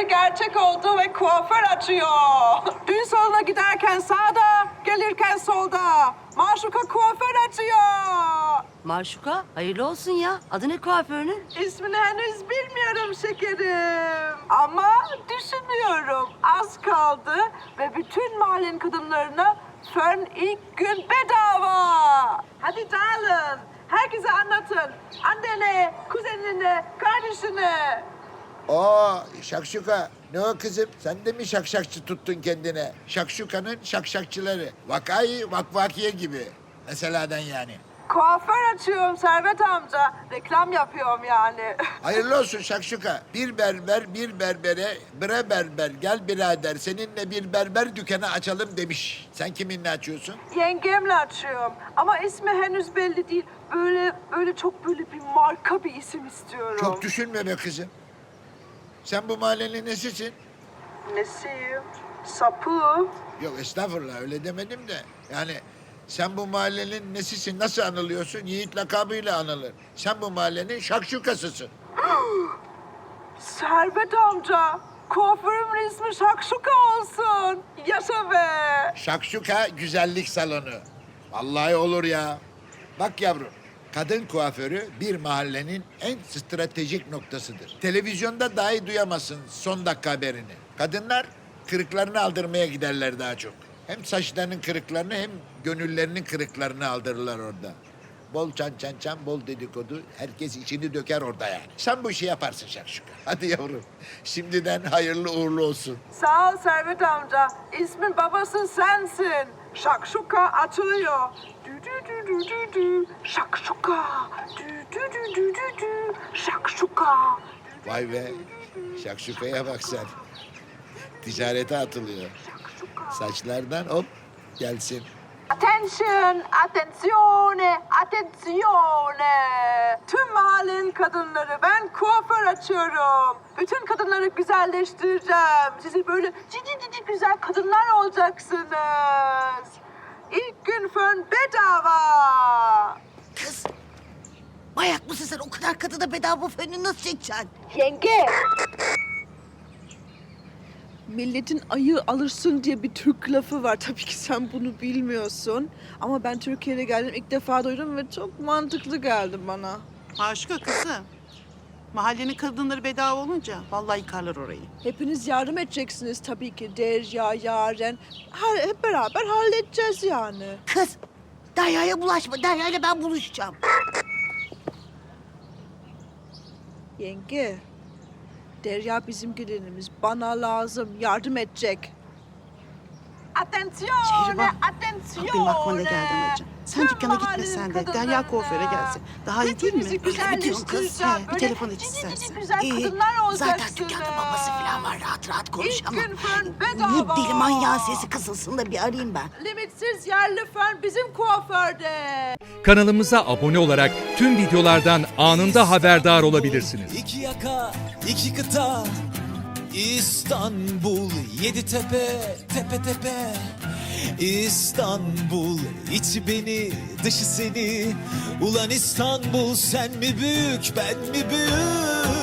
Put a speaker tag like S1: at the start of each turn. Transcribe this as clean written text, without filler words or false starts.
S1: gerçek oldu ve kuaför açıyor. Düğün salonuna giderken sağda, gelirken solda. Maşuka kuaför açıyor.
S2: Maşuka, hayırlı olsun ya. Adı ne kuaförünün?
S1: İsmini henüz bilmiyorum şekerim. Ama düşünüyorum. Az kaldı ve bütün mahallenin kadınlarına fön ilk gün bedava. Hadi dağılın. Herkese anlatın. Annene, kuzenine, kardeşine.
S3: Oo şakşuka. Ne o kızım? Sen de mi şakşakçı tuttun kendine? Şakşukanın şakşakçıları. Vakayı vakvakiye gibi. Meseleden yani.
S1: Kuaför açıyorum Servet amca. Reklam yapıyorum yani.
S3: Hayırlı olsun şakşuka. Bir berber bir berbere bre berber gel birader seninle bir berber dükkanı açalım demiş. Sen kiminle açıyorsun?
S1: Yengemle açıyorum. Ama ismi henüz belli değil. Böyle çok böyle bir marka bir isim istiyorum.
S3: Çok düşünme be kızım. Sen bu mahallenin nesisin?
S1: Nesiyim? Sapı.
S3: Yok estağfurullah öyle demedim de. Yani sen bu mahallenin nesisin? Nasıl anılıyorsun? Yiğit lakabıyla anılır. Sen bu mahallenin şakşukasısın.
S1: Servet amca. Kuaförümün ismi Şakşuka olsun. Yaşa be.
S3: Şakşuka güzellik salonu. Vallahi olur ya. Bak yavrum. Kadın kuaförü bir mahallenin en stratejik noktasıdır. Televizyonda dahi duyamazsın son dakika haberini. Kadınlar kırıklarını aldırmaya giderler daha çok. Hem saçlarının kırıklarını hem gönüllerinin kırıklarını aldırırlar orada. Bol çan, bol dedikodu. Herkes içini döker orada yani. Sen bu işi yaparsın Şakşuka. Hadi yavrum. Şimdiden hayırlı uğurlu olsun.
S1: Sağ ol Servet amca. İsmin babası sensin. Şakşuka açılıyor. Dü dü dü dü dü dü. Şakşuka. Dü dü dü dü dü dü. Şakşuka.
S3: Vay be. Şakşukaya bak sen. Ticarete atılıyor. Saçlardan hop gelsin.
S1: Attention, attenzione, attenzione. Tüm mahallenin kadınları ben kuaför açıyorum. Bütün kadınları güzelleştireceğim. Sizi böyle cici güzel kadınlar olacaksınız. İlk gün fön bedava.
S2: Kız, manyak mısın sen? O kadar kadına bedava fönü nasıl çekeceksin?
S1: Yenge.
S4: Milletin ayı alırsın diye bir Türk lafı var. Tabii ki sen bunu bilmiyorsun. Ama ben Türkiye'de geldim, ilk defa duydum ve çok mantıklı geldi bana.
S5: Maşuka kızım. Mahallenin kadınları bedava olunca vallahi yıkarlar orayı.
S4: Hepiniz yardım edeceksiniz tabii ki. Derya, Yaren. Hep beraber halledeceğiz yani.
S2: Kız, Derya'ya bulaşma. Derya'yla ben buluşacağım.
S4: Yenge, Derya bizim gelinimiz. Bana lazım. Yardım edecek.
S1: Attenzione,
S5: Şehriban,
S1: attenzione.
S5: bak benim aklıma ne geldi anacığım. Sen
S1: Tüm
S5: dükkana
S1: mahallenin
S5: gitmesen de
S1: kadınlarına.
S5: Derya kuaföre gelsin. Daha iyi değil mi?
S1: Hepinizi güzelleştireceğim.
S5: Bir
S1: Böyle
S5: telefon et
S1: cici
S5: istersen.
S1: güzel kadınlar olacaksınız.
S2: Zaten dükkanda babası falan var. Rahat rahat konuş
S1: İlk
S2: ama.
S1: gün fön bedava.
S2: Bu deli manyağın sesi kısılsın da bir arayayım ben.
S1: Limitsiz yerli fön bizim kuaförde.
S6: Kanalımıza abone olarak tüm videolardan anında haberdar olabilirsiniz.
S7: İki yaka, iki kıta, İstanbul, yedi tepe, tepe tepe. İstanbul, içi beni, dışı seni. Ulan İstanbul, sen mi büyük, ben mi büyük?